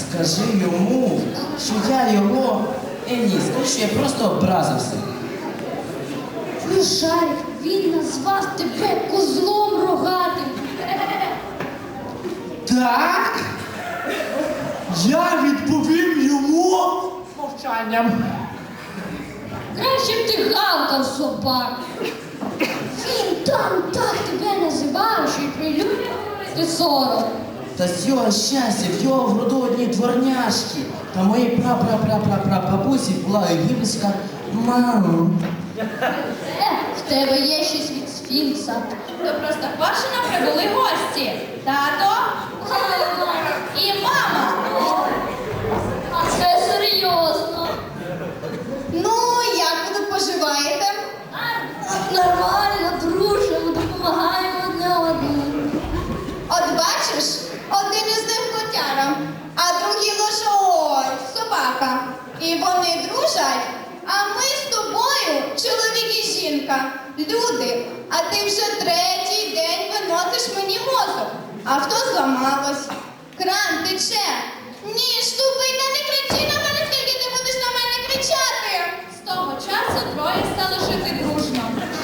Скажи йому, що я його... Ні, скажи, що я просто образився. Ну, Шарик, він назвав тебе козлом рогатим. Так? Я відповім йому мовчанням. Краще б ти гавкав, собак. Він там так тебе називав, що й прилюдно говорити сором. Та з його щастя, в його в роду одні дворняшки. Та моїй прапрапрапрапрабабусі була єгипетська мама. В тебе є щось від сфінкса. До Простоквашино прибули гості. Тато і мама. А це серйозно. Ну, як ви тут поживаєте? Нормально, дружимо, допомагаємо одне одному. От бачиш, один із них котяра, а другий лише ось собака. І вони дружать, а ми з тобою, чоловік і жінка, люди. А ти вже третій день виносиш мені мозок. Авто зламалось, кран тече. Ні, штупи, та не кричи на мене, скільки ти будеш на мене кричати. З того часу троє стали жити дружно.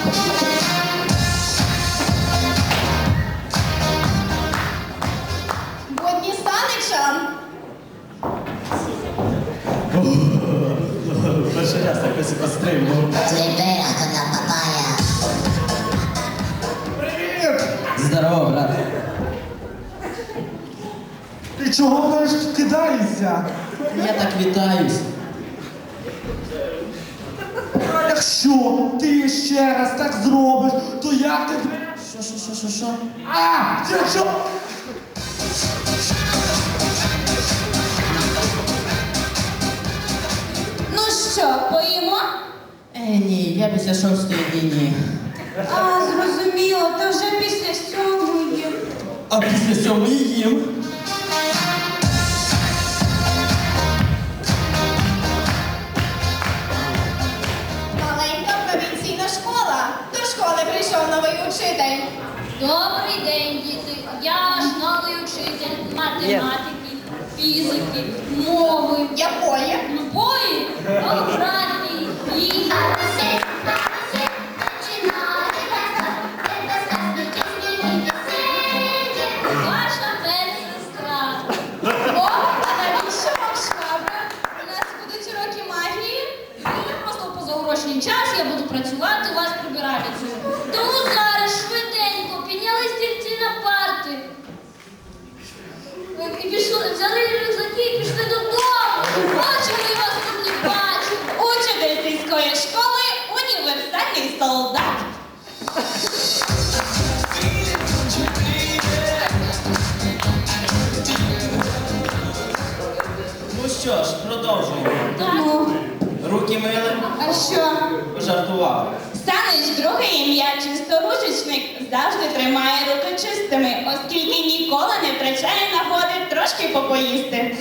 Будні Станича. Перший раз якось пострибнув. Libera con la papaya. Привіт! Здорово, брат. Ти чого мене кидаєшся? Я так вітаюсь. А якщо ти ще раз так зробиш, то я тебе... Що? А! Ти що? Ну що, поїмо? Ні, я після 6-ї ні. А, зрозуміло, то вже після 7-ї. А після 7-ї їм. Маленька провінційна школа. До школи прийшов новий учитель. Добрий день, діти. Я ж новий учитель математики, фізики, мови, Якої? любої, географії, і... Ваша медсестра. О, а навіщо вам швабра? У нас будуть уроки магії. Просто в позаурочний час я буду працювати у вас прибиральницею. Тому зараз швиденько підняли стільці на парти. І пішли, взяли рюкзаки і пішли додому. Очі вони вас тут не бачать. Учитель сільської школи універсальний солдат. Ну що ж, продовжуємо. Так. Руки мили, А що? пожартував. Станич друге ім'я чисторучечник завжди тримає руки чистими, оскільки ніколи не втрачає нагоди трошки попоїсти.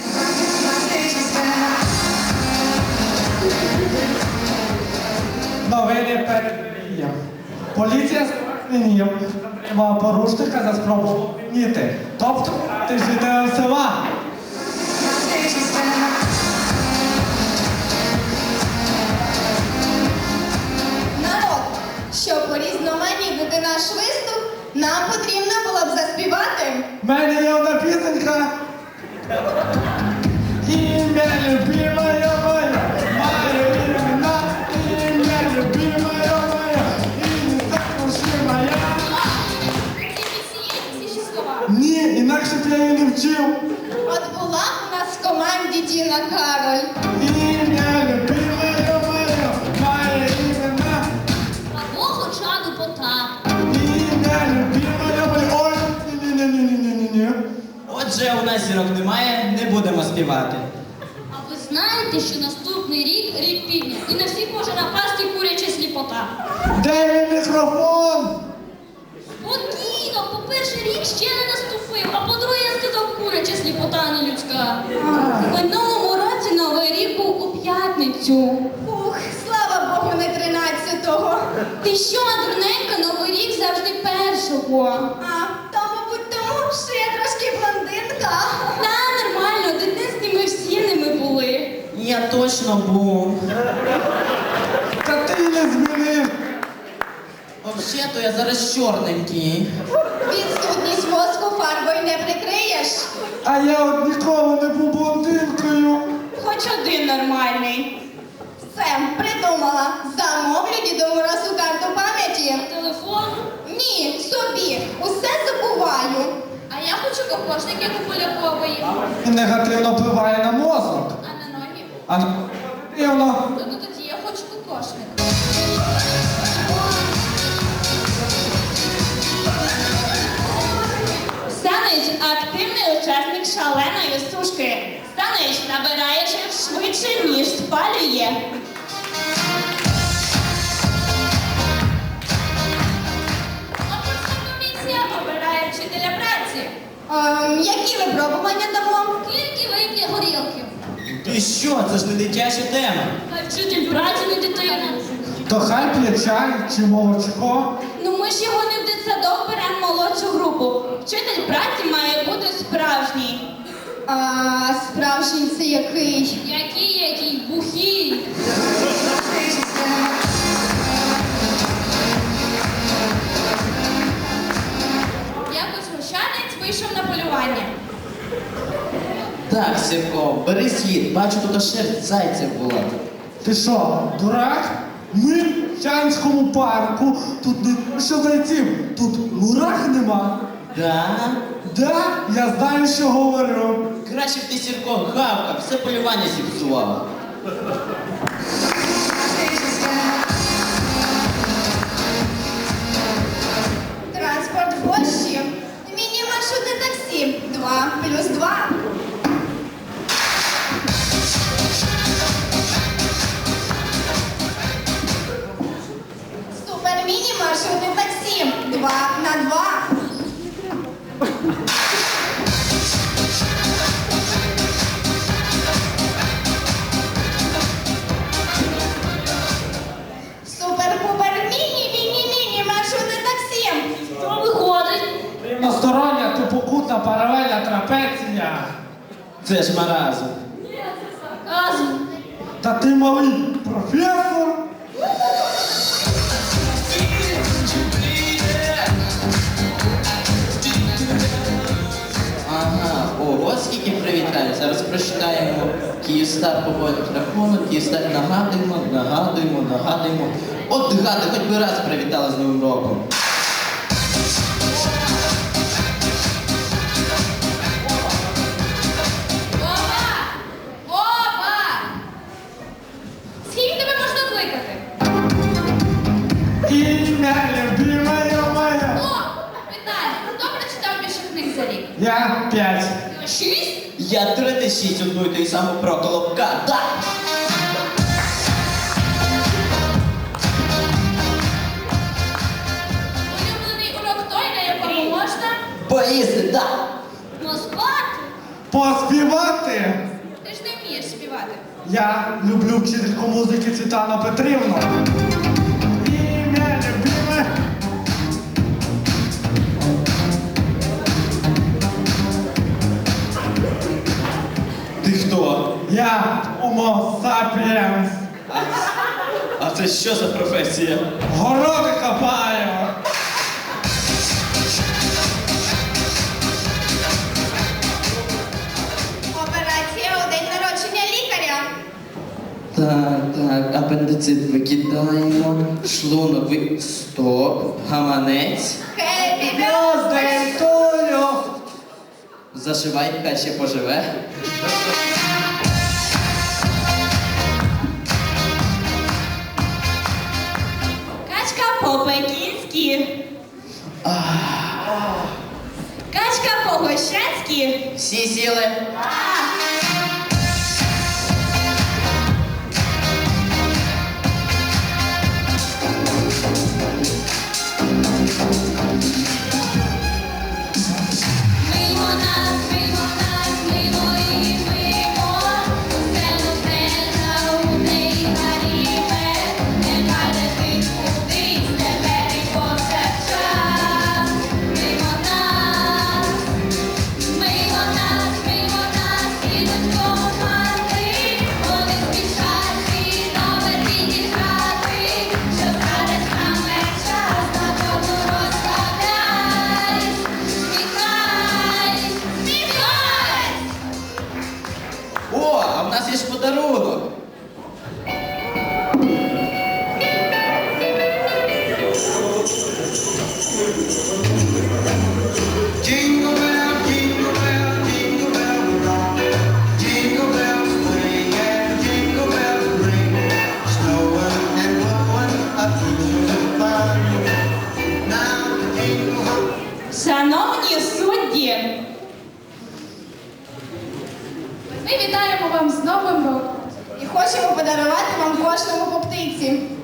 Новини передвіям. Поліція зупинила порушника за спробу вміти. Тобто, ти житель села. Народ, щоб урізноманітнити наш виступ, нам потрібно було б заспівати. В мене є одна пісенька. Ім'я любимая моя, моє імена, ім'я любимая моя, і не також моя. Всі слова. Ні, інакше б я її не вчив. От була у нас в команді Діна Кароль. Ім'я любимая моя, моє імена, Або хоча б Потап. ім'я любимая моя. Ой, ні. Отже, у нас зірок немає, не будемо співати. А ви знаєте, що наступний рік рік півдня, і на всіх може напасти куряча сліпота? Де мій мікрофон? Спокійно, по-перше, рік ще не наступив, а по-друге, я сказав куряча сліпота, а не людська. В минулому році Новий рік був у п'ятницю. Ух, слава Богу, не 13-го. Ти що, дурненька, Новий рік завжди першого. А, то, мабуть, тому, що я трошки блондинка. Та нормально, дитинстві ми точно був. Та ти не змінив. Взагалі-то я зараз чорненький. Відсутність мозку фарбою не прикриєш. А я от ніколи не був блондинкою. Хоч один нормальний. Все, придумала. Замовлю Діду Морозу карту пам'яті. Телефон. Ні, собі. Усе забуваю. А я хочу кокошник, як у Полякової. І негативно впливає на мозок. А на ноги? А негативно. Ну тоді я хочу кокошник. Станич активний учасник шаленої сушки. Станич набирає жир швидше, ніж спалює. Конкурсна комісія обирає вчителя праці. Які випробування дамо? Скільки вип'є горілки? Ти що, це ж не дитяча тема. А вчитель праці не дитина. То хай п'є чай чи молочко. Ну ми ж його не в дитсадок беремо молодшу групу. Вчитель праці має бути справжній. Справжній це який? Який бухий. Якось гущанець вийшов на полювання. Так, Сірко, бери слід. Бачу, тут аж шерсть зайця була. Ти що, дурак? Ми в Чанському парку. Тут не що зайців, тут мурах нема. Да? Да, я знаю, що говорю. Краще б ти, Сірко, гавкав, все полювання зіпсував. Транспорт в Польщі. Міні-маршрутне таксі. 2+2. Супер міні-маршрутне таксі. 2×2. Супер-пупер міні маршрутне таксі. Що виходить? Рівностороння тупокутна паралельна трапеція. Це ж маразм. Сарказм. Та ти малий професор. Ага, ого, скільки привітань. Зараз прочитаємо Київстар поводить рахунок, Київстар нагадуємо. От гади, хоч би раз привітали з Новим роком. Вова! Скільки тебе можна кликати? Ім'я любимая моя. О, Віталій, хто прочитав більше книг за рік? Я 5. 6? Я 36 одну й той саму про Колобка. Так! Улюблений урок той, на якому можна Поїсти, так! поспати. Поспівати. Ти ж не вмієш співати. Я люблю вчительку музики Світлану Петрівну. Ім'я любиме. Ти хто? Я Homo sapiens. А це що за професія? Городи копаю. Операція у день народження лікаря. Так, апендицит викидаємо, шлунок стоп, гаманець. Happy Birthday to you. Зашивай, хай ще поживе. Качка по-пекінськи. Качка по-гощацьки. Всі сіли. Мимо нас, мимо і мимо. Усе загубне і гаріме. Нехай летить кудись, тепер і повсякчас. Мимо нас, є ж подарунок. Jingle bell, jingle bell, jingle bell rock. Jingle bells swing and jingle bells ring. Snowing and blowing up the fun. Now jingle hop. Шановні судді, Ми вітаємо вам з Новим роком і хочемо подарувати вам кожному по птиці.